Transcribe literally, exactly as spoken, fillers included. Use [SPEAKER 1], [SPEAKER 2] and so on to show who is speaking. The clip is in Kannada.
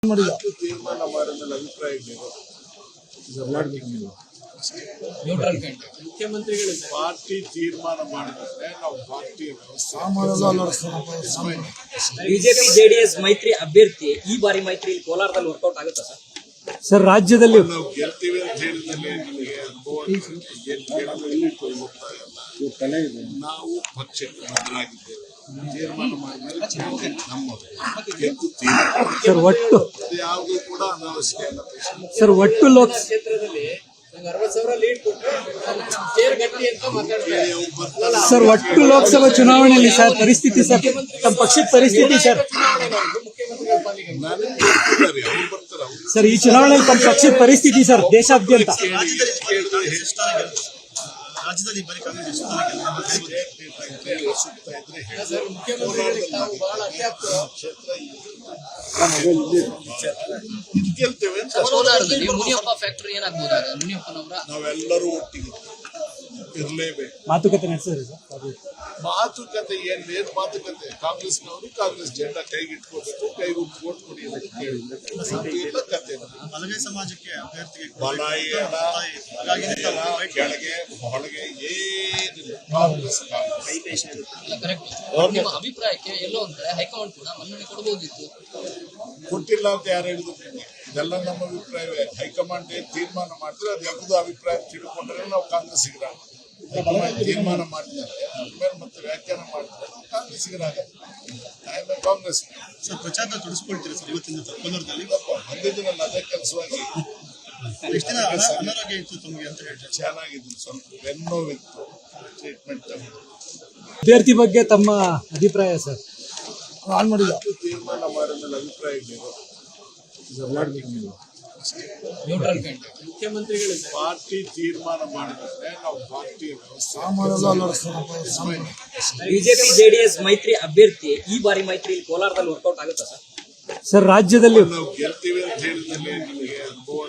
[SPEAKER 1] ತೀರ್ಮಾನ ಮಾಡಿದ ಅಭಿಪ್ರಾಯ ಮುಖ್ಯಮಂತ್ರಿಗಳು ಪಾರ್ಟಿ ತೀರ್ಮಾನ ಮಾಡಿದ್ರೆ ನಾವು ಪಾರ್ಟಿ
[SPEAKER 2] ಬಿಜೆಪಿ ಜೆಡಿಎಸ್ ಮೈತ್ರಿ ಅಭ್ಯರ್ಥಿ ಈ ಬಾರಿ ಮೈತ್ರಿ ಕೋಲಾರದಲ್ಲಿ ವರ್ಕೌಟ್ ಆಗುತ್ತಾ ಸರ್?
[SPEAKER 3] ಸರ್ ರಾಜ್ಯದಲ್ಲಿ
[SPEAKER 1] ನಾವು ಗೆಲ್ತೀವಿ ಅಂತ ಹೇಳಿದಲ್ಲಿ ನನಗೆ ಅನುಭವ ನಾವು ಪಕ್ಷಕ್ಕೆ ಬದಲಾಗಿದ್ದೇವೆ. ತೀರ್ಮಾನ ಮಾಡಿದ್ರೆ ನಮ್ಮದು
[SPEAKER 3] ಸರ್ ಒಟ್ಟು
[SPEAKER 1] ಯಾವುದು ಕೂಡ ಅನಾವಶ್ಯಕ ಇಲ್ಲ.
[SPEAKER 3] ಸರ್ ಒಟ್ಟು ಲೋಕ
[SPEAKER 2] ಕ್ಷೇತ್ರದಲ್ಲಿ ಅರವತ್ತು ಸಾವಿರ ಲೀಡ್ ಕೊಟ್ಟರೆ ಚೇರ್ ಗಟ್ಟಿ ಅಂತ ಮಾತಾಡ್ತಾರೆ
[SPEAKER 3] ಸರ್ ಒಟ್ಟು ಲೋಕಸಭಾ ಚುನಾವಣೆಯಲ್ಲಿ ಸರ್ ಪರಿಸ್ಥಿತಿ ಸರ್ ತಮ್ಮ ಪಕ್ಷದ ಪರಿಸ್ಥಿತಿ ಸರ್
[SPEAKER 2] ಮುಖ್ಯಮಂತ್ರಿಗಳ ಪಾಲಿಗೆ
[SPEAKER 1] ನನಗೆ ಗೊತ್ತಿದ್ದಾರೆ, ಅವ್ರು ಬರ್ತಾರೆ. ಅವ್ರು
[SPEAKER 3] ಸರ್ ಈ ಚುನಾವಣೆಯಲ್ಲಿ ತಮ್ಮ ಪಕ್ಷದ ಪರಿಸ್ಥಿತಿ ಸರ್ ದೇಶಾದ್ಯಂತ
[SPEAKER 4] ರಾಜ್ಯದಲ್ಲಿ ಬರೀ ಕಾಂಗ್ರೆಸ್ ಎಷ್ಟು
[SPEAKER 1] ಸುತ್ತಾ ಇದ್ರೆ ಹೇಳಿ.
[SPEAKER 2] ಸರ್ ಮುಖ್ಯಮಂತ್ರಿಗಳಿಗೆ ನಾವು ಬಹಳ ಅತ್ಯಾಪ್ತ
[SPEAKER 1] ಗೆಲ್ತೇವೆ ಅಂತ
[SPEAKER 2] ಕೋಲಾರದಲ್ಲಿ ಮುನಿಯಪ್ಪ ಫ್ಯಾಕ್ಟರಿ ಏನಾಗ್ಬೋದಾಗ ಮುನಿಯಪ್ಪನವರ
[SPEAKER 1] ನಾವೆಲ್ಲರೂ ಒಟ್ಟಿಗೆ ಇರಲೇಬೇಕು.
[SPEAKER 3] ಮಾತುಕತೆ ನಡೆಸಿದ್ರಿ ಸರ್
[SPEAKER 1] ಮಾತುಕತೆ ಏನ್ ಏನ್ ಮಾತುಕತೆ? ಕಾಂಗ್ರೆಸ್ನವರು ಕಾಂಗ್ರೆಸ್ ಜೆಂಡಾ ಕೈಗೆ ಇಟ್ಕೋಬೇಕು, ಕೈಗೆ ಓಟ್ ಕೊಡಿ ಅಂತ ಕೇಳಿಲ್ಲ ಕತೆ.
[SPEAKER 4] ಬಲಗೈ ಸಮಾಜಕ್ಕೆ ಅಭ್ಯರ್ಥಿಗೆ
[SPEAKER 1] ಬಲ ಏನ ಕೆಳಗೆ ಹೊಳಗೆ ಏನಿಲ್ಲ. ಕಾಂಗ್ರೆಸ್ ಕಾಂಗ್ರೆಸ್
[SPEAKER 2] ಕರೆಕ್ಟ್. ನಿಮ್ಮ ಅಭಿಪ್ರಾಯಕ್ಕೆ ಎಲ್ಲೋ ಒಂದ್ ಕಡೆ ಹೈಕಮಾಂಡ್ ಕೂಡ ಮನ್ನಣೆ ಕೊಡಬಹುದಿತ್ತು.
[SPEAKER 1] ಕೊಟ್ಟಿಲ್ಲ ಅಂತ ಯಾರು ಹೇಳಿದ್ರು? ಇದೆಲ್ಲ ನಮ್ಮ ಅಭಿಪ್ರಾಯವೇ. ಹೈಕಮಾಂಡ್ ಏನ್ ತೀರ್ಮಾನ ಮಾಡಿದ್ರೆ ಅದು ಯಾವ್ದು ಅಭಿಪ್ರಾಯ ತಿಳ್ಕೊಂಡ್ರೆ ನಾವು ಕಾಂಗ್ರೆಸ್ಸಿಗರ ಹೈಕಮಾಂಡ್ ತೀರ್ಮಾನ ಮಾಡಿದ್ದಾರೆ, ಆದ್ಮೇಲೆ ಮತ್ತೆ ವ್ಯಾಖ್ಯಾನ ಮಾಡಿದ್ರೆ ನಾವು ಕಾಂಗ್ರೆಸ್ಸಿಗರಾಗತ್ತೆ. ಆಮೇಲೆ ಕಾಂಗ್ರೆಸ್
[SPEAKER 4] ಸರ್ ಪ್ರಚಾರ ತೊಡಸ್ಕೊಳ್ತೀರಿ ಸರ್ ಇವತ್ತಿನ ಕೋಲಾರದಲ್ಲಿ?
[SPEAKER 1] ಬಂದಿದ್ದೀನಲ್ಲ ಅದೇ ಕೆಲಸವಾಗಿ.
[SPEAKER 4] ಎಷ್ಟು ದಿನ ಅನಾರೋಗ್ಯ ಇತ್ತು ತಮಗೆ ಅಂತ ಹೇಳ್ತಾರೆ?
[SPEAKER 1] ಚೆನ್ನಾಗಿದ್ದೀನಿ, ಸ್ವಲ್ಪ ಬೆನ್ನೋವಿತ್ತು, ಟ್ರೀಟ್ಮೆಂಟ್ ತಗೊಂಡು.
[SPEAKER 3] ಅಭ್ಯರ್ಥಿ ಬಗ್ಗೆ ತಮ್ಮ ಅಭಿಪ್ರಾಯ ಸರ್ ಆನ್ ಮಾಡಿಲ್ಲ
[SPEAKER 1] ತೀರ್ಮಾನ ಮಾಡಿದ ಅಭಿಪ್ರಾಯ
[SPEAKER 2] ಮುಖ್ಯಮಂತ್ರಿಗಳು
[SPEAKER 1] ಪಾರ್ಟಿ ತೀರ್ಮಾನ ಮಾಡಿದ್ರೆ ನಾವು ಪಾರ್ಟಿ
[SPEAKER 2] ಬಿಜೆಪಿ ಜೆಡಿಎಸ್ ಮೈತ್ರಿ ಅಭ್ಯರ್ಥಿ ಈ ಬಾರಿ ಮೈತ್ರಿ ಕೋಲಾರದಲ್ಲಿ ವರ್ಕೌಟ್ ಆಗುತ್ತಾ ಸರ್?
[SPEAKER 3] ಸರ್ ರಾಜ್ಯದಲ್ಲಿ
[SPEAKER 1] ನಾವು ಗೆಲ್ತೀವಿ ಅಂತ ಹೇಳಿದಲ್ಲಿ ನನಗೆ ಅನುಭವ